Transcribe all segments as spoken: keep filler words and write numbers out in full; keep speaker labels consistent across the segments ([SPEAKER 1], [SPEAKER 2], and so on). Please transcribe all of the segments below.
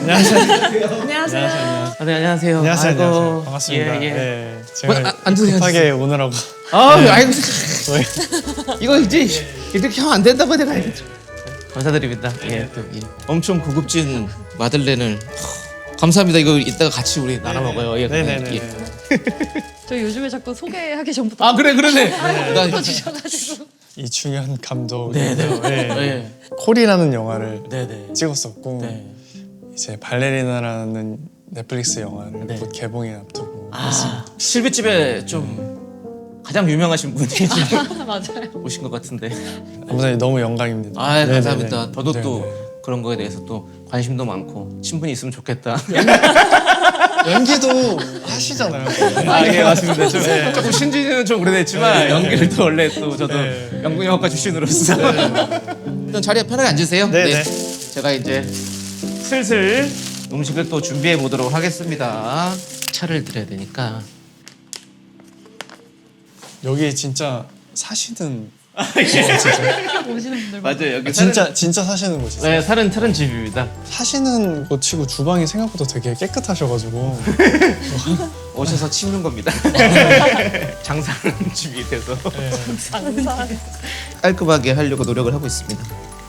[SPEAKER 1] 안녕하세요.
[SPEAKER 2] 안녕하세요.
[SPEAKER 1] 안녕하세요.
[SPEAKER 3] 아, 네, 안녕하세요.
[SPEAKER 1] 안녕하세요.
[SPEAKER 3] 아이고,
[SPEAKER 1] 안녕하세요. 반갑습니다.
[SPEAKER 3] 예, 예.
[SPEAKER 1] 네, 제가
[SPEAKER 3] 어, 아, 앉으세요,
[SPEAKER 1] 급하게 오느라고.
[SPEAKER 3] 아,
[SPEAKER 1] 네.
[SPEAKER 3] 아이고,
[SPEAKER 1] 저희
[SPEAKER 3] 이거 이제 이렇게 하면 안 된다고 내가 알겠죠. 감사드립니다. 예, 또 예. 엄청 고급진 마들렌을 감사합니다. 이거 이따가 같이 우리 나눠 먹어요. 예,
[SPEAKER 1] 네네네.
[SPEAKER 3] 예.
[SPEAKER 2] 저 요즘에 자꾸 소개하기 전부터
[SPEAKER 3] 아 그래 그러네. 나
[SPEAKER 2] 주셔가지고
[SPEAKER 1] 이충현 감독.
[SPEAKER 3] 네네.
[SPEAKER 1] 네.
[SPEAKER 3] 예.
[SPEAKER 1] 콜이라는 영화를
[SPEAKER 3] 네네.
[SPEAKER 1] 찍었었고
[SPEAKER 3] 네.
[SPEAKER 1] 이제 발레리나라는 넷플릭스 영화를
[SPEAKER 3] 네.
[SPEAKER 1] 곧 개봉에 앞두고
[SPEAKER 3] 아 실비집에 좀 가장 유명하신 분이 지금
[SPEAKER 2] 맞아요.
[SPEAKER 3] 오신 것 같은데.
[SPEAKER 1] 아무튼 너무 영광입니다.
[SPEAKER 3] 아
[SPEAKER 1] 네네네.
[SPEAKER 3] 감사합니다. 저도 또
[SPEAKER 1] 네네.
[SPEAKER 3] 그런 거에 대해서 또 관심도 많고 친분이 있으면 좋겠다.
[SPEAKER 1] 연기도 하시잖아요.
[SPEAKER 3] 아 예 맞습니다. 좀,
[SPEAKER 1] 네.
[SPEAKER 3] 조금 신지는 좀 오래됐지만
[SPEAKER 1] 네.
[SPEAKER 3] 연기를 또 원래 또 저도
[SPEAKER 1] 네.
[SPEAKER 3] 연극영화과 출신으로서 일단 자리에 편하게 앉으세요.
[SPEAKER 1] 네, 네.
[SPEAKER 3] 제가 이제 슬슬 음식을 또 준비해 보도록 하겠습니다. 차를 드려야 되니까.
[SPEAKER 1] 여기 진짜 사시는
[SPEAKER 2] 오시는 분들
[SPEAKER 3] 맞아요 여기
[SPEAKER 1] 아, 진짜 진짜 사시는 곳이세요?
[SPEAKER 3] 네 살은 차는 집입니다.
[SPEAKER 1] 사시는 곳치고 주방이 생각보다 되게 깨끗하셔가지고
[SPEAKER 3] 오셔서 치우는 겁니다. 장사하는 집이 돼서
[SPEAKER 1] 네.
[SPEAKER 2] 장사.
[SPEAKER 3] 깔끔하게 하려고 노력을 하고 있습니다.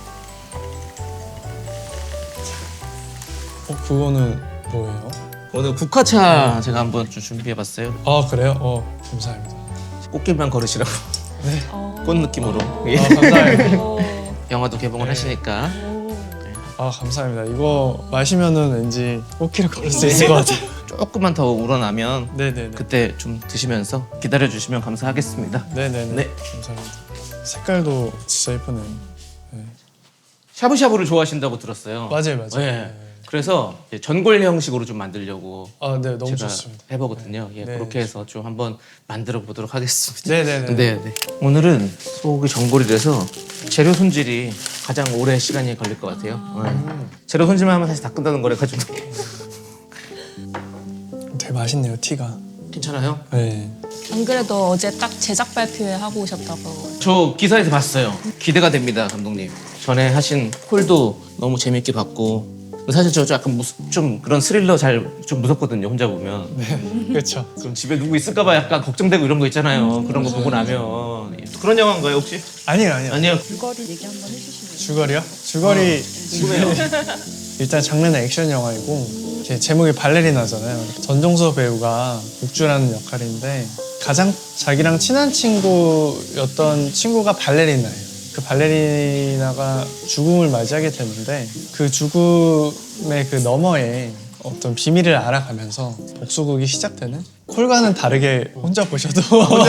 [SPEAKER 1] 어 그거는 뭐예요?
[SPEAKER 3] 오늘 국화차 제가 한번 좀 준비해봤어요.
[SPEAKER 1] 아 그래요? 어 감사합니다.
[SPEAKER 3] 꽃길만 걸으시라고
[SPEAKER 1] 네.
[SPEAKER 3] 꽃 느낌으로. 예.
[SPEAKER 1] 아 감사합니다.
[SPEAKER 2] 오.
[SPEAKER 3] 영화도 개봉을
[SPEAKER 1] 네.
[SPEAKER 3] 하시니까.
[SPEAKER 1] 아 감사합니다. 이거 마시면은 왠지 꽃길을 걸을 수 있을 것 같아요.
[SPEAKER 3] 조금만 더 우러나면
[SPEAKER 1] 네네네.
[SPEAKER 3] 그때 좀 드시면서 기다려 주시면 감사하겠습니다.
[SPEAKER 1] 네네네.
[SPEAKER 3] 네.
[SPEAKER 1] 감사합니다. 색깔도 진짜 예쁘네요. 네.
[SPEAKER 3] 샤브샤브를 좋아하신다고 들었어요.
[SPEAKER 1] 맞아요, 맞아요.
[SPEAKER 3] 네.
[SPEAKER 1] 네.
[SPEAKER 3] 그래서 이제 전골 형식으로 좀 만들려고
[SPEAKER 1] 아, 네, 너무
[SPEAKER 3] 제가
[SPEAKER 1] 좋습니다.
[SPEAKER 3] 해보거든요. 예,
[SPEAKER 1] 네.
[SPEAKER 3] 그렇게 해서 좀 한번 만들어 보도록 하겠습니다.
[SPEAKER 1] 네네네.
[SPEAKER 3] 네, 네. 오늘은 소고기 전골이라서 재료 손질이 가장 오래 시간이 걸릴 것 같아요. 네. 재료 손질만 하면 사실 다 끝나는 거래 가지고.
[SPEAKER 1] 되게 맛있네요, 티가.
[SPEAKER 3] 괜찮아요?
[SPEAKER 1] 네.
[SPEAKER 2] 안 그래도 어제 딱 제작 발표회 하고 오셨다고.
[SPEAKER 3] 저 기사에서 봤어요. 기대가 됩니다, 감독님. 전에 하신 콜도 너무 재밌게 봤고 사실 저 약간 무스, 좀 그런 스릴러 잘 좀 무섭거든요, 혼자 보면.
[SPEAKER 1] 네. 그렇죠.
[SPEAKER 3] 그럼 집에 누구 있을까봐 약간 걱정되고 이런 거 있잖아요. 그런 거 보고 나면. 그런 영화인가요, 혹시?
[SPEAKER 1] 아니요, 아니요.
[SPEAKER 3] 아니요.
[SPEAKER 2] 줄거리 얘기 한번 해주시면.
[SPEAKER 1] 줄거리요? 줄거리
[SPEAKER 3] 궁금해요.
[SPEAKER 1] 일단 장르는 액션 영화이고 이제 제목이 발레리나잖아요. 전종서 배우가 국주라는 역할인데 가장 자기랑 친한 친구였던 친구가 발레리나예요. 그 발레리나가 죽음을 맞이하게 되는데 그 죽음의 그 너머에 어떤 비밀을 알아가면서 복수극이 시작되는 콜과는 다르게 혼자 보셔도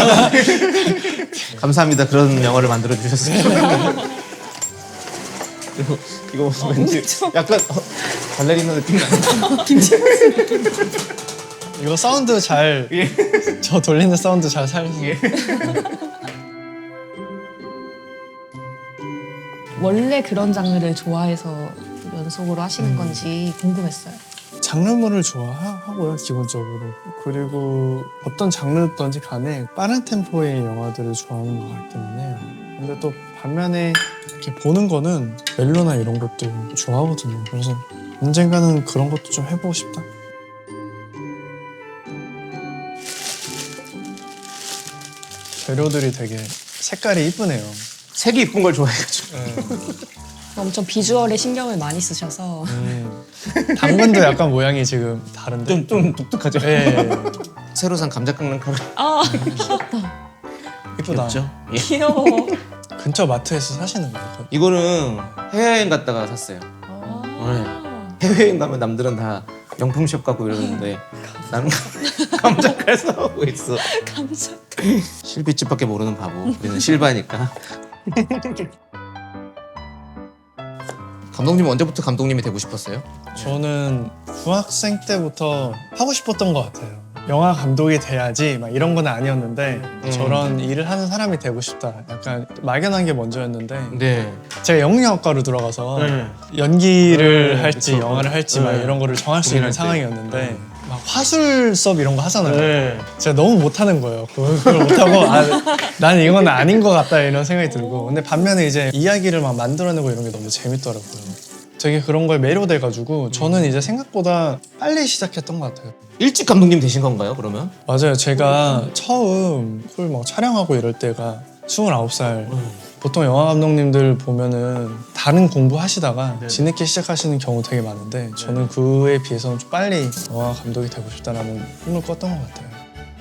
[SPEAKER 3] 감사합니다. 그런 영화를 만들어 주셨어요. 그리고 이거 왠지 약간 어, 발레리나 느낌 나요.
[SPEAKER 1] 이거 사운드 잘 저
[SPEAKER 3] 예.
[SPEAKER 1] 돌리는 사운드 잘 살리세요.
[SPEAKER 3] 예.
[SPEAKER 2] 원래 그런 장르를 좋아해서 연속으로 하시는 건지 궁금했어요.
[SPEAKER 1] 장르물을 좋아하고요, 기본적으로. 그리고 어떤 장르든지 간에 빠른 템포의 영화들을 좋아하는 것 같기는 해요. 근데 또 반면에 이렇게 보는 거는 멜로나 이런 것도 좋아하거든요. 그래서 언젠가는 그런 것도 좀 해보고 싶다. 재료들이 되게 색깔이 이쁘네요.
[SPEAKER 3] 색이 이쁜 걸 좋아해가지고.
[SPEAKER 1] 네.
[SPEAKER 2] 엄청 비주얼에 신경을 많이 쓰셔서.
[SPEAKER 1] 음, 당근도 약간 모양이 지금 다른데.
[SPEAKER 3] 좀, 좀 독특하죠?
[SPEAKER 1] 네.
[SPEAKER 3] 새로 산 감자 깎는 칼.
[SPEAKER 2] 아 귀엽다.
[SPEAKER 1] 이쁘다.
[SPEAKER 3] 귀엽죠? 예.
[SPEAKER 2] 귀여워.
[SPEAKER 1] 근처 마트에서 사시는 거예요?
[SPEAKER 3] 이거는 해외여행 갔다가 샀어요.
[SPEAKER 2] 아.
[SPEAKER 3] 해외여행 가면 남들은 다 명품숍 가고 이러는데 나는 감자칼 사오고 있어.
[SPEAKER 2] 감사.
[SPEAKER 3] 실비집밖에 모르는 바보. 우리는 실바니까. 감독님 언제부터 감독님이 되고 싶었어요?
[SPEAKER 1] 저는 중학생 때부터 하고 싶었던 것 같아요. 영화 감독이 돼야지 막 이런 건 아니었는데
[SPEAKER 3] 음.
[SPEAKER 1] 저런 일을 하는 사람이 되고 싶다. 약간 막연한 게 먼저였는데
[SPEAKER 3] 네.
[SPEAKER 1] 제가 영문학과로 들어가서
[SPEAKER 3] 네.
[SPEAKER 1] 연기를
[SPEAKER 3] 네,
[SPEAKER 1] 할지
[SPEAKER 3] 그쵸.
[SPEAKER 1] 영화를 할지 막
[SPEAKER 3] 네.
[SPEAKER 1] 이런 거를 정할 수 있는
[SPEAKER 3] 고민할 때.
[SPEAKER 1] 상황이었는데 막 화술 수업 이런 거 하잖아요.
[SPEAKER 3] 네.
[SPEAKER 1] 제가 너무 못하는 거예요. 그걸 못하고 아, 나는 이건 아닌 것 같다 이런 생각이 들고 근데 반면에 이제 이야기를 막 만들어내고 이런 게 너무 재밌더라고요. 되게 그런 거에 매료돼가지고 저는 이제 생각보다 빨리 시작했던 것 같아요.
[SPEAKER 3] 일찍 감독님 되신 건가요, 그러면?
[SPEAKER 1] 맞아요. 제가 처음 콜 막 촬영하고 이럴 때가 스물아홉 살. 보통 영화 감독님들 보면은 다른 공부 하시다가 뒤늦게 시작하시는 경우 되게 많은데 저는 그에 비해서는 좀 빨리 영화 감독이 되고 싶다라는 꿈을 꿨던 것 같아요.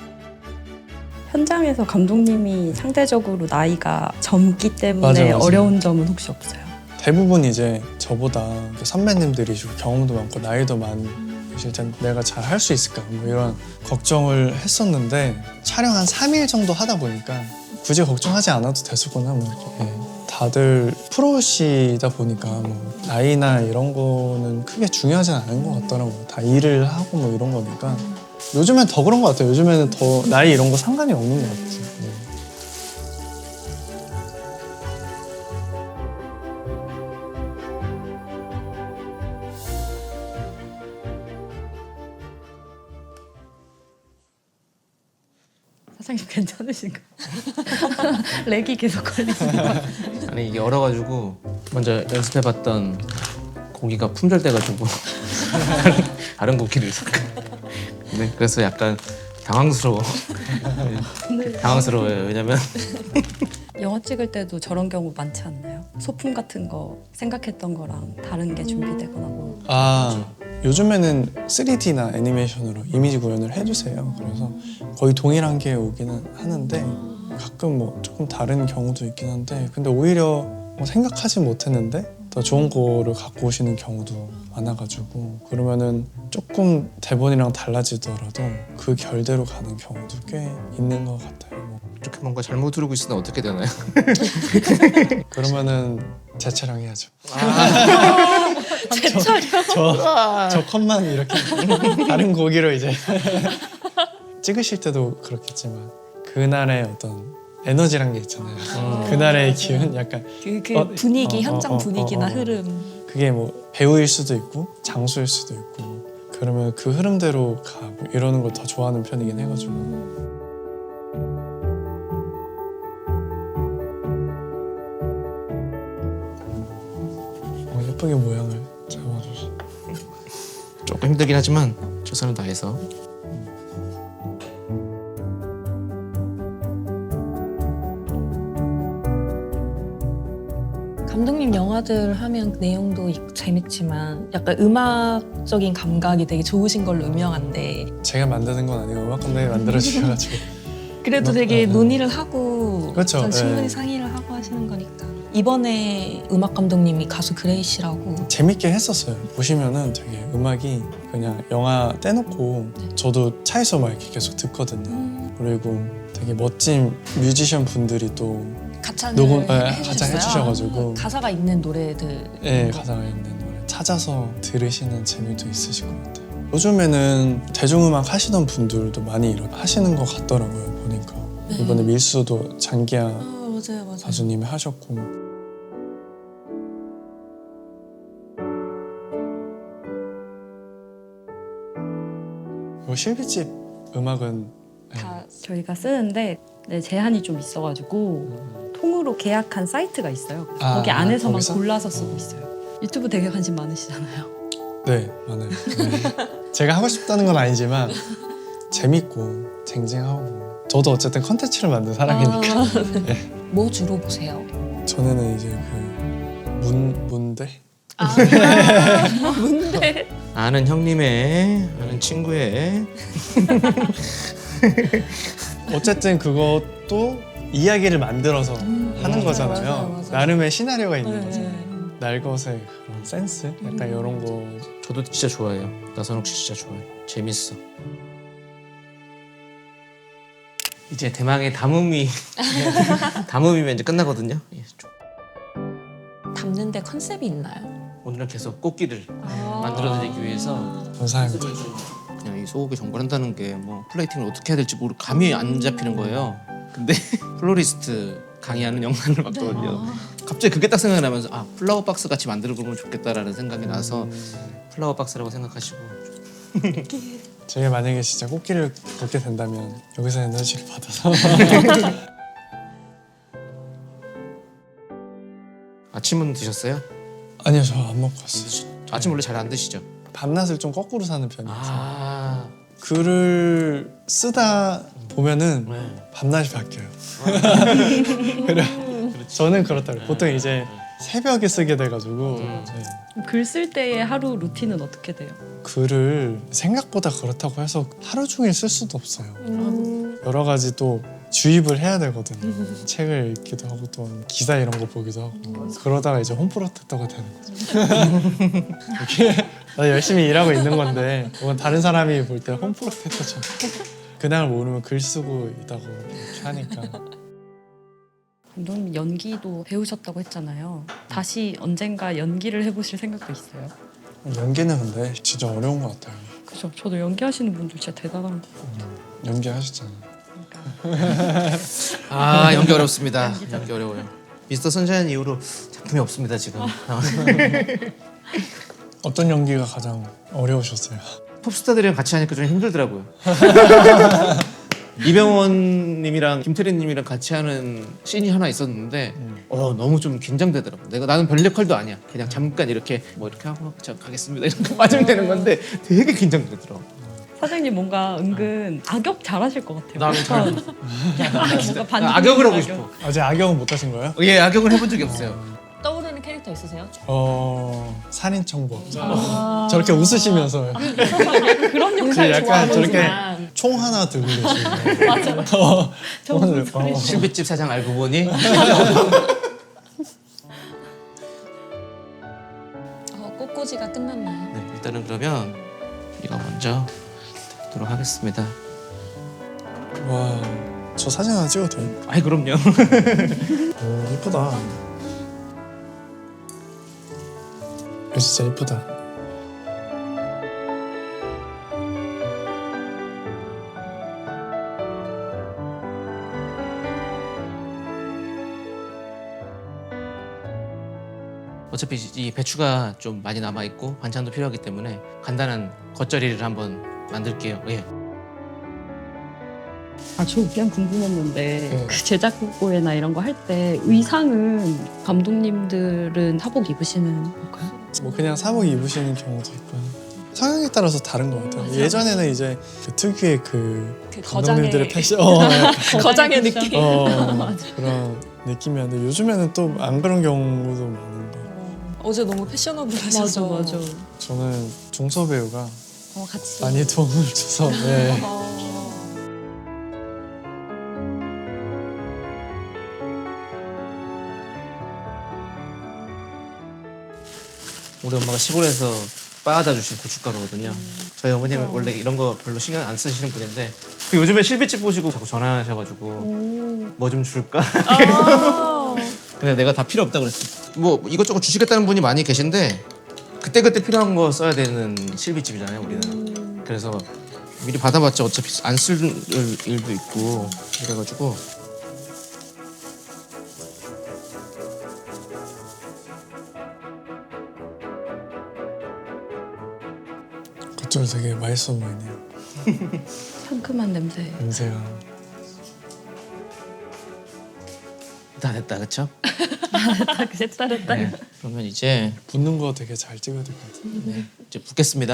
[SPEAKER 4] 현장에서 감독님이 상대적으로 나이가 젊기 때문에
[SPEAKER 1] 맞아, 맞아.
[SPEAKER 4] 어려운 점은 혹시 없어요?
[SPEAKER 1] 대부분 이제 저보다 선배님들이시고 경험도 많고 나이도 많으실 텐데 내가 잘 할 수 있을까 뭐 이런 걱정을 했었는데 촬영 한 삼 일 정도 하다 보니까 굳이 걱정하지 않아도 됐었구나 뭐 이렇게. 예. 다들 프로시다 보니까 뭐 나이나 이런 거는 크게 중요하진 않은 것 같더라고요. 다 일을 하고 뭐 이런 거니까 요즘엔 더 그런 것 같아요. 요즘에는 더 나이 이런 거 상관이 없는 것 같아요. 예.
[SPEAKER 4] 사장님 괜찮으신가요? 렉이 계속 걸리시는 것 같아요.
[SPEAKER 3] 아니 이게 얼어가지고 먼저 연습해봤던 고기가 품절돼가지고 다른, 다른 고기를 샀거든요. 네, 그래서 약간 당황스러워. 네, 당황스러워요. 왜냐면
[SPEAKER 4] 영화 찍을 때도 저런 경우 많지 않나요? 소품 같은 거 생각했던 거랑 다른 게 준비되거나 뭐.
[SPEAKER 1] 아 요즘에는 쓰리디나 애니메이션으로 이미지 구현을 해주세요. 그래서 거의 동일한 게 오기는 하는데 가끔 뭐 조금 다른 경우도 있긴 한데 근데 오히려 뭐 생각하지 못했는데 더 좋은 거를 갖고 오시는 경우도 많아가지고 그러면은 조금 대본이랑 달라지더라도 그 결대로 가는 경우도 꽤 있는 것 같아요. 뭐
[SPEAKER 3] 이렇게 뭔가 잘못 들고 있으면 어떻게 되나요?
[SPEAKER 1] 그러면은 재촬영 해야죠.
[SPEAKER 4] 제 촬영?
[SPEAKER 1] 저, 저 컷만 이렇게 다른 고기로 이제 찍으실 때도 그렇겠지만 그날의 어떤 에너지란 게 있잖아요.
[SPEAKER 3] 음.
[SPEAKER 1] 그날의 기운 약간
[SPEAKER 4] 그, 그
[SPEAKER 1] 어,
[SPEAKER 4] 분위기,
[SPEAKER 1] 어,
[SPEAKER 4] 현장
[SPEAKER 1] 어, 어,
[SPEAKER 4] 분위기나
[SPEAKER 1] 어, 어.
[SPEAKER 4] 흐름.
[SPEAKER 1] 그게 뭐 배우일 수도 있고 장소일 수도 있고 그러면 그 흐름대로 가고 이러는 걸 더 좋아하는 편이긴 해가지고 어, 예쁘게 모양을 잡아주시.
[SPEAKER 3] 조금 힘들긴 하지만 최선을 다해서.
[SPEAKER 2] 감독님 영화들 하면 내용도 있- 재밌지만 약간 음악적인 감각이 되게 좋으신 걸로 유명한데
[SPEAKER 1] 제가 만드는 건 아니고 음악 감독이 만들어 주셔가지고
[SPEAKER 2] 그래도
[SPEAKER 1] 음악-
[SPEAKER 2] 되게
[SPEAKER 1] 어, 어.
[SPEAKER 2] 논의를 하고
[SPEAKER 1] 그렇죠,
[SPEAKER 2] 전 충분히
[SPEAKER 1] 예.
[SPEAKER 2] 상의를 하고 하시는 거니까 이번에 음악 감독님이 가수 그레이 씨라고
[SPEAKER 1] 재밌게 했었어요. 보시면은 되게 음악이 그냥 영화 떼놓고 저도 차에서 막 이렇게 계속 듣거든요.
[SPEAKER 2] 음.
[SPEAKER 1] 그리고 되게 멋진 뮤지션 분들이 또
[SPEAKER 2] 가창을
[SPEAKER 1] 녹음- 예,
[SPEAKER 2] 해주셨어요.
[SPEAKER 1] 가창 해주셔가지고.
[SPEAKER 2] 가사가 있는 노래들
[SPEAKER 1] 예, 가사가 있는 노래 찾아서 들으시는 재미도 있으실 것 같아요. 요즘에는 대중음악 하시던 분들도 많이 이렇게 하시는 것 같더라고요. 보니까
[SPEAKER 2] 네.
[SPEAKER 1] 이번에 밀수도 장기하
[SPEAKER 2] 아, 맞아요 맞아요
[SPEAKER 1] 가수님이 하셨고 그리고 실비집 음악은
[SPEAKER 4] 다 저희가 쓰는데 네, 제한이 좀 있어가지고 통으로 계약한 사이트가 있어요. 그래서
[SPEAKER 1] 아,
[SPEAKER 4] 거기 안에서만
[SPEAKER 1] 거기서?
[SPEAKER 4] 골라서 쓰고 있어요. 유튜브 되게 관심 많으시잖아요.
[SPEAKER 1] 네 많아요. 네. 제가 하고 싶다는 건 아니지만 재밌고 쟁쟁하고 저도 어쨌든 컨텐츠를 만든 사람이니까
[SPEAKER 2] 아, 네. 뭐 주로 보세요?
[SPEAKER 1] 전에는 이제 그 문, 문대?
[SPEAKER 2] 아, 뭔데?
[SPEAKER 3] 아는 형님의 아는 친구의
[SPEAKER 1] 어쨌든 그것도 이야기를 만들어서 하는
[SPEAKER 2] 음,
[SPEAKER 1] 거잖아요.
[SPEAKER 2] 맞아요, 맞아요.
[SPEAKER 1] 나름의 시나리오가 있는
[SPEAKER 2] 네.
[SPEAKER 1] 거잖아요. 날것의 그런 센스? 약간 이런 거.
[SPEAKER 3] 저도 진짜 좋아해요. 나선욱 씨 진짜 좋아해. 재밌어. 이제 대망의 담음이 담음이면 이제 끝나거든요. 예, 좀.
[SPEAKER 2] 담는데 컨셉이 있나요?
[SPEAKER 3] 오늘은 계속 꽃길을
[SPEAKER 2] 아.
[SPEAKER 3] 만들어드리기 위해서
[SPEAKER 1] 감사합니다.
[SPEAKER 3] 그냥 이 소고기 전골한다는 게 뭐 플레이팅을 어떻게 해야 될지 모르 감이 안 잡히는 거예요. 근데 플로리스트 강의하는 영상을 봤거든요. 갑자기 그게 딱 생각이 나면서 아 플라워 박스 같이 만들어 보면 좋겠다라는 생각이 나서 플라워 박스라고 생각하시고
[SPEAKER 1] 제가 만약에 진짜 꽃길을 걷게 된다면 여기서 에너지를 받아서
[SPEAKER 3] 아침은 드셨어요?
[SPEAKER 1] 아니요, 저 안 먹고 왔어요.
[SPEAKER 3] 아침 원래 잘 안 드시죠?
[SPEAKER 1] 밤낮을 좀 거꾸로 사는 편이어서
[SPEAKER 3] 아,
[SPEAKER 1] 글을 쓰다 보면은
[SPEAKER 3] 네.
[SPEAKER 1] 밤낮이 바뀌어요. 그래, 저는 그렇다고요. 보통 이제 새벽에 쓰게 돼가지고
[SPEAKER 3] 음.
[SPEAKER 1] 네.
[SPEAKER 4] 글 쓸 때의 하루 루틴은 어떻게 돼요?
[SPEAKER 1] 글을 생각보다 그렇다고 해서 하루 종일 쓸 수도 없어요.
[SPEAKER 2] 음.
[SPEAKER 1] 여러 가지 또 주입을 해야 되거든요. 책을 읽기도 하고 또 기사 이런 거 보기도 하고 그러다가 이제 홈프로텍터가 되는 거죠. 이게 나 열심히 일하고 있는 건데 그건 다른 사람이 볼 때 홈프로텍터처럼 그날 모르면 글 쓰고 있다고 이렇게 하니까.
[SPEAKER 4] 감독님 연기도 배우셨다고 했잖아요. 다시 언젠가 연기를 해보실 생각도 있어요?
[SPEAKER 1] 연기는 근데 진짜 어려운 것 같아요.
[SPEAKER 4] 그죠. 저도 연기하시는 분들 진짜 대단한 거
[SPEAKER 1] 연기하시잖아요.
[SPEAKER 4] 그러니까.
[SPEAKER 3] 아 연기 어렵습니다. 연기 어려워요. 미스터 선샤인 이후로 작품이 없습니다 지금.
[SPEAKER 1] 어떤 연기가 가장 어려우셨어요?
[SPEAKER 3] pop스타들이랑 같이 하니까 좀 힘들더라고요. 이병헌님이랑 김태리님이랑 같이 하는 씬이 하나 있었는데 어 너무 좀 긴장되더라고. 내가 나는 별 역할도 아니야. 그냥 잠깐 이렇게 뭐 이렇게 하고 저 가겠습니다 이런 거 빠지면 되는 건데 되게 긴장되더라고.
[SPEAKER 4] 사장님 뭔가 은근 악역 잘하실 것 같아요.
[SPEAKER 3] 나는 잘
[SPEAKER 4] 뭔가 반전
[SPEAKER 3] 악역을 하고
[SPEAKER 4] 악역.
[SPEAKER 3] 싶어.
[SPEAKER 1] 아직 악역은 못 하신 거예요?
[SPEAKER 3] 예 악역을 해본 적이 없어요.
[SPEAKER 2] 떠오르는 캐릭터 있으세요?
[SPEAKER 1] 어 살인청부업자. 저렇게 웃으시면서
[SPEAKER 4] 그런
[SPEAKER 1] 그
[SPEAKER 4] 역할
[SPEAKER 1] 약간 저렇게
[SPEAKER 2] 좋아하는구나.
[SPEAKER 1] 총 하나 들고 계시고. 맞아. 어, 오늘 어.
[SPEAKER 3] 실비집 사장 알고 보니
[SPEAKER 2] 어, 꽃꽂이가 끝났나요?
[SPEAKER 3] 네, 일단은 그러면 이거 먼저 보도록 하겠습니다.
[SPEAKER 1] 와, 저 사진 하나 찍어도 돼요?
[SPEAKER 3] 아이 그럼요.
[SPEAKER 1] 오, 이쁘다. 이거 진짜 이쁘다.
[SPEAKER 3] 어차피 이 배추가 좀 많이 남아 있고 반찬도 필요하기 때문에 간단한 겉절이를 한번 만들게요. 예.
[SPEAKER 4] 아, 저 그냥 궁금했는데
[SPEAKER 1] 네.
[SPEAKER 4] 그 제작보에나 이런 거 할 때 의상은 감독님들은 사복 입으시는 건가요?
[SPEAKER 1] 뭐 그냥 사복 입으시는 경우도 있고 성향에 따라서 다른 것 같아요. 예전에는 이제 그 특유의 그
[SPEAKER 2] 그
[SPEAKER 1] 감독님들의
[SPEAKER 2] 거장의
[SPEAKER 1] 패션, 어, 약간
[SPEAKER 2] 거장의 느낌.
[SPEAKER 1] 어, 그런 느낌이었는데 요즘에는 또 안 그런 경우도 많은 것 같아요.
[SPEAKER 2] 어제 너무 패셔너블하셔서
[SPEAKER 4] 맞아 맞아.
[SPEAKER 1] 저는 중서 배우가
[SPEAKER 2] 어, 같이
[SPEAKER 1] 많이 도움을 줘서 네.
[SPEAKER 2] 어,
[SPEAKER 3] 우리 엄마가 시골에서 빻아다 주신 고춧가루거든요. 저희 어머님은 원래 이런 거 별로 신경 안 쓰시는 분인데 그 요즘에 실비집 보시고 자꾸 전화하셔가지고 뭐 좀 줄까?
[SPEAKER 2] 아.
[SPEAKER 3] 근데 내가 다 필요 없다 그랬어. 뭐 이것저것 주시겠다는 분이 많이 계신데 그때 그때 필요한 거 써야 되는 실비집이잖아요, 우리는. 그래서 미리 받아봤자 어차피 안 쓸 일도 있고 그래가지고
[SPEAKER 1] 겉절 되게 맛있어 보이네요.
[SPEAKER 4] 상큼한 냄새.
[SPEAKER 1] 냄새가.
[SPEAKER 3] 다 됐다, 그쵸?
[SPEAKER 4] 됐다 됐다.
[SPEAKER 3] 네. 그러면 이제
[SPEAKER 1] 붓는 거 되게 잘 찍어야 될 것 같아요.
[SPEAKER 3] 네, 이제 붓겠습니다.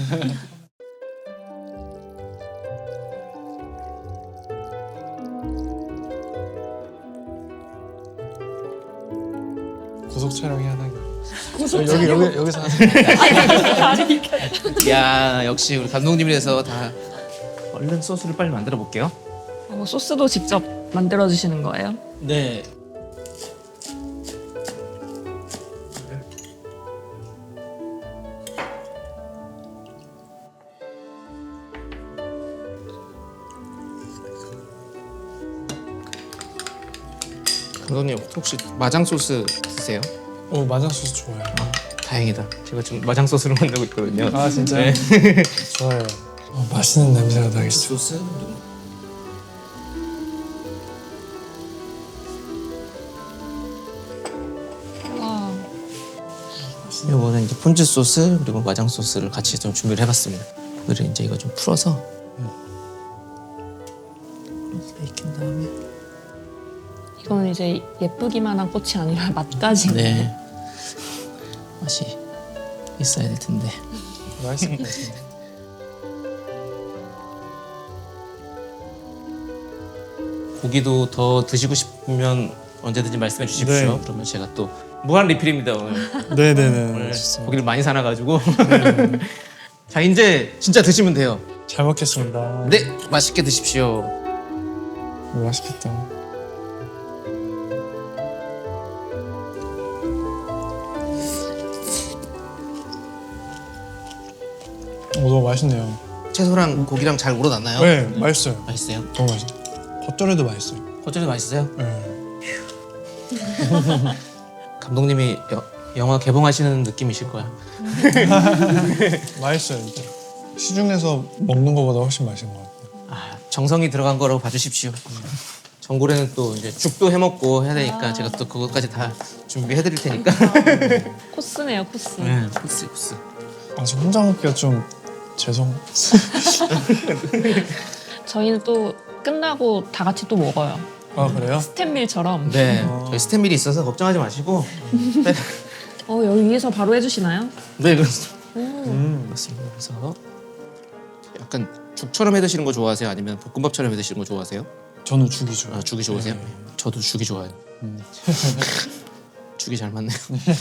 [SPEAKER 1] 고속 촬영해야 하나?
[SPEAKER 2] 고속
[SPEAKER 1] 여기
[SPEAKER 2] 촬영.
[SPEAKER 1] 여기 여기서 하세요.
[SPEAKER 3] 야 역시 우리 감독님이라서 다 얼른 소스를 빨리 만들어 볼게요.
[SPEAKER 2] 어, 소스도 직접 만들어 주시는 거예요?
[SPEAKER 3] 네. 감독님 혹시 마장 소스 드세요?
[SPEAKER 1] 어 마장 소스 좋아요.
[SPEAKER 3] 다행이다. 제가 지금 마장 소스를 만들고 있거든요.
[SPEAKER 1] 아 진짜요?
[SPEAKER 3] 네.
[SPEAKER 1] 좋아요. 어, 맛있는 냄새가 나겠어.
[SPEAKER 3] 소스.
[SPEAKER 2] 와.
[SPEAKER 3] 이거는 이제 폰즈 소스 그리고 마장 소스를 같이 좀 준비를 해봤습니다. 오늘은 이제 이거 좀 풀어서 이렇게 익힌 다음에
[SPEAKER 2] 이거는 이제 예쁘기만 한 꽃이 아니라 맛까지.
[SPEAKER 3] 네 맛이 있어야 될 텐데.
[SPEAKER 1] 맛있을 것 같은데.
[SPEAKER 3] 고기도 더 드시고 싶으면 언제든지 말씀해 주십시오.
[SPEAKER 1] 네.
[SPEAKER 3] 그러면 제가 또 무한 리필입니다 오늘.
[SPEAKER 1] 네네네.
[SPEAKER 3] 오늘
[SPEAKER 1] 좋습니다.
[SPEAKER 3] 고기를 많이 사놔가지고. 자 이제 진짜 드시면 돼요.
[SPEAKER 1] 잘 먹겠습니다.
[SPEAKER 3] 네, 맛있게 드십시오.
[SPEAKER 1] 오, 맛있겠다. 오, 너무 맛있네요.
[SPEAKER 3] 채소랑 고기랑 잘 우러났나요?
[SPEAKER 1] 네, 맛있어요.
[SPEAKER 3] 맛있어요?
[SPEAKER 1] 너무 맛있어. 겉절이도 맛있어요.
[SPEAKER 3] 겉절이 맛있어요?
[SPEAKER 1] 네.
[SPEAKER 3] 감독님이 여, 영화 개봉하시는 느낌이실 거야.
[SPEAKER 1] 맛있어요, 진짜. 시중에서 먹는 것보다 훨씬 맛있는 것 같아요.
[SPEAKER 3] 아, 정성이 들어간 거라고 봐주십시오. 전골에는 또 이제 죽도 해먹고 해야 되니까 제가 또 그것까지 다 준비해드릴 테니까.
[SPEAKER 2] 코스네요, 코스.
[SPEAKER 3] 네, 코스 코스.
[SPEAKER 1] 아, 저 혼자 먹기가 좀 죄송.
[SPEAKER 2] 저희는 또 끝나고 다 같이 또 먹어요.
[SPEAKER 1] 아, 그래요?
[SPEAKER 2] 스탠밀처럼.
[SPEAKER 3] 네,
[SPEAKER 1] 어.
[SPEAKER 3] 저희 스탠밀이 있어서 걱정하지 마시고.
[SPEAKER 2] 어, 여기 위에서 바로 해주시나요?
[SPEAKER 3] 네, 그렇습니다.
[SPEAKER 1] 음.
[SPEAKER 3] 그렇습니다. 그래서 약간 죽처럼 해 드시는 거 좋아하세요? 아니면 볶음밥처럼 해 드시는 거 좋아하세요?
[SPEAKER 1] 저는 죽이 좋아요.
[SPEAKER 3] 아, 죽이 좋으세요?
[SPEAKER 1] 네.
[SPEAKER 3] 저도 죽이 좋아요.
[SPEAKER 1] 음.
[SPEAKER 3] 죽이 잘 맞네요.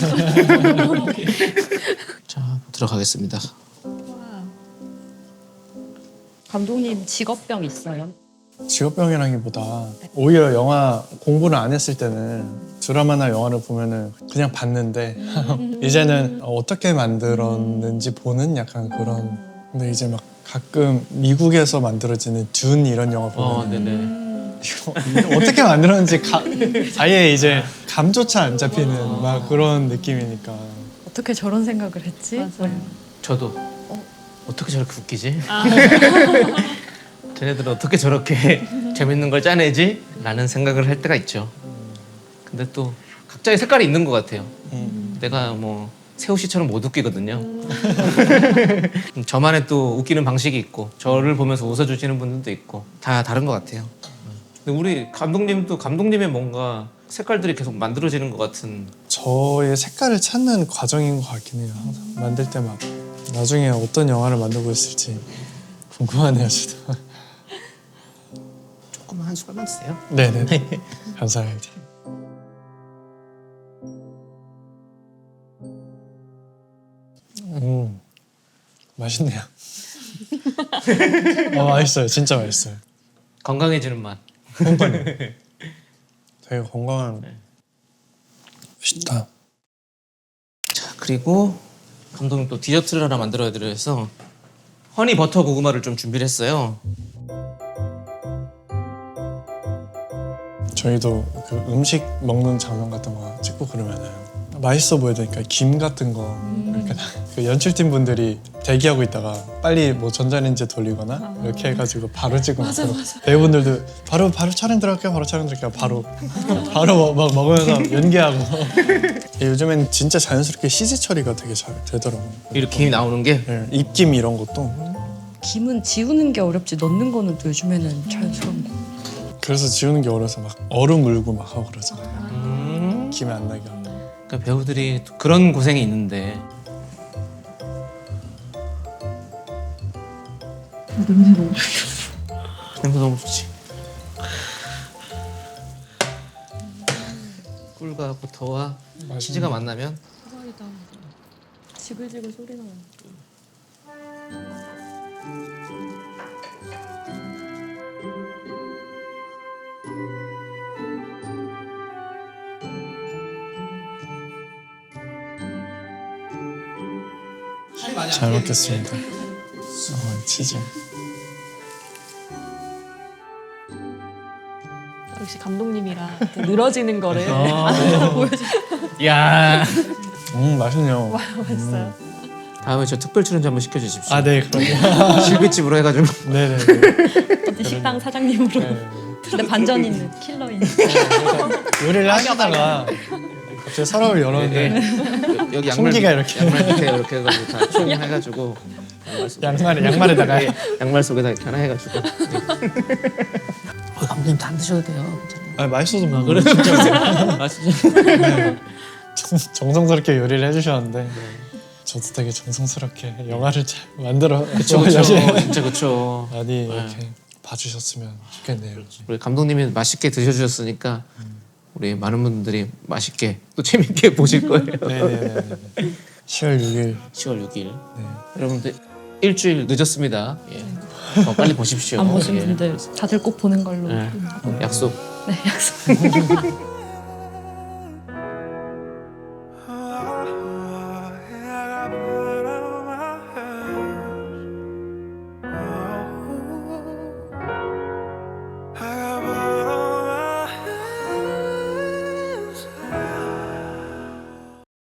[SPEAKER 3] 자, 들어가겠습니다.
[SPEAKER 4] 감독님 직업병 있어요?
[SPEAKER 1] 직업병이라기보다 오히려 영화 공부를 안 했을 때는 드라마나 영화를 보면은 그냥 봤는데 이제는 어떻게 만들었는지 보는 약간 그런. 근데 이제 막 가끔 미국에서 만들어지는 듄 이런 영화 보면
[SPEAKER 3] 어, 네네.
[SPEAKER 1] 이거 어떻게 만들었는지 가, 아예 이제 감조차 안 잡히는 막 그런 느낌이니까.
[SPEAKER 4] 어떻게 저런 생각을 했지?
[SPEAKER 2] 맞아요.
[SPEAKER 3] 저도 어떻게 저렇게 웃기지? 쟤네들은 어떻게 저렇게 재밌는 걸 짜내지? 라는 생각을 할 때가 있죠. 근데 또 각자의 색깔이 있는 것 같아요.
[SPEAKER 1] 음.
[SPEAKER 3] 내가 뭐 세호 씨처럼 못 웃기거든요. 저만의 또 웃기는 방식이 있고 저를 보면서 웃어주시는 분들도 있고 다 다른 것 같아요. 근데 우리 감독님도 감독님의 뭔가 색깔들이 계속 만들어지는 것 같은.
[SPEAKER 1] 저의 색깔을 찾는 과정인 것 같긴 해요. 항상 만들 때마다. 나중에 어떤 영화를 만들고 있을지 궁금하네요, 저도.
[SPEAKER 3] 조금만 한 숟갈만 드세요.
[SPEAKER 1] 네네. 감사합니다. 음, 맛있네요. 아, 맛있어요. 진짜 맛있어요.
[SPEAKER 3] 건강해지는 맛.
[SPEAKER 1] 되게 건강한. 맛있다.
[SPEAKER 3] 자, 그리고 감독님 또 디저트를 하나 만들어야 드려서 허니 버터 고구마를 좀 준비를 했어요.
[SPEAKER 1] 저희도 그 음식 먹는 장면 같은 거 찍고 그러면은 맛있어 보여야 되니까 김 같은 거 이렇게 그 연출팀 분들이 대기하고 있다가 빨리 뭐 전자레인지에 돌리거나 이렇게 해가지고 바로 찍고 맞아, 맞아. 배우분들도 바로 바로 촬영 들어갈게요 바로 촬영 들어갈게요 바로 바로 막 먹으면서 연기하고 요즘엔 진짜 자연스럽게 씨지 처리가 되게 잘 되더라고요.
[SPEAKER 3] 이렇게 김이 나오는 게
[SPEAKER 1] 네, 입김 이런 것도
[SPEAKER 4] 김은 지우는 게 어렵지 넣는 거는 또 요즘에는 자연스러운 거.
[SPEAKER 1] 그래서 지우는 게 어려서 막 얼음 물고 막 하고 그러잖아요.
[SPEAKER 3] 음,
[SPEAKER 1] 김이 안 나게 하고.
[SPEAKER 3] 그러니까 배우들이 또 그런 고생이 있는데. 냄새 너무 좋지. 꿀과 버터와 치즈가 만나면
[SPEAKER 2] 대박이다. 지글지글 소리 나요.
[SPEAKER 1] 잘 먹겠습니다. 어, 치즈.
[SPEAKER 2] 역시 감독님이라 또 늘어지는 거를
[SPEAKER 3] 아.
[SPEAKER 2] 안으로 보여줘.
[SPEAKER 3] 야.
[SPEAKER 1] 음 맛있네요.
[SPEAKER 2] 맛있어요.
[SPEAKER 3] 다음에 저 특별 출연자 한번 시켜주십시오.
[SPEAKER 1] 아 네 그럼요.
[SPEAKER 3] 실비집으로 해가지고.
[SPEAKER 1] 네네.
[SPEAKER 4] 어디 식당 사장님으로.
[SPEAKER 1] 네.
[SPEAKER 4] 근데 반전 있는 킬러인.
[SPEAKER 1] 요리를 하시다가 갑자기 서랍을 열었는데
[SPEAKER 3] 네. 여기 양말
[SPEAKER 1] 총기가
[SPEAKER 3] 밑-
[SPEAKER 1] 이렇게.
[SPEAKER 3] 양말 밑에 이렇게 해가지고 다 총 해가지고 양말 속에
[SPEAKER 1] 양말에 양말에다가
[SPEAKER 3] 네, 양말 속에다 이렇게 하나 해가지고. 네. 어, 감독님 다 안 드셔도 돼요. 괜찮아요.
[SPEAKER 1] 아 맛있어서 먹는
[SPEAKER 3] 그래 진짜. 아 진짜.
[SPEAKER 1] 정, 정성스럽게 요리를 해주셨는데 저도 되게 정성스럽게 영화를 잘 만들어
[SPEAKER 3] 그쵸 그쵸 진짜 그쵸.
[SPEAKER 1] 많이 이렇게 봐주셨으면 좋겠네요.
[SPEAKER 3] 우리 감독님이 맛있게 드셔주셨으니까 우리 많은 분들이 맛있게 또 재밌게 보실 거예요.
[SPEAKER 1] 네네네. 시월 육일.
[SPEAKER 3] 시월 육일
[SPEAKER 1] 네.
[SPEAKER 3] 여러분들 일주일 늦었습니다. 예. 더 빨리 보십시오.
[SPEAKER 4] 안 보신
[SPEAKER 3] 예.
[SPEAKER 4] 분들 다들 꼭 보는 걸로.
[SPEAKER 3] 예. 약속.
[SPEAKER 4] 네, 약속.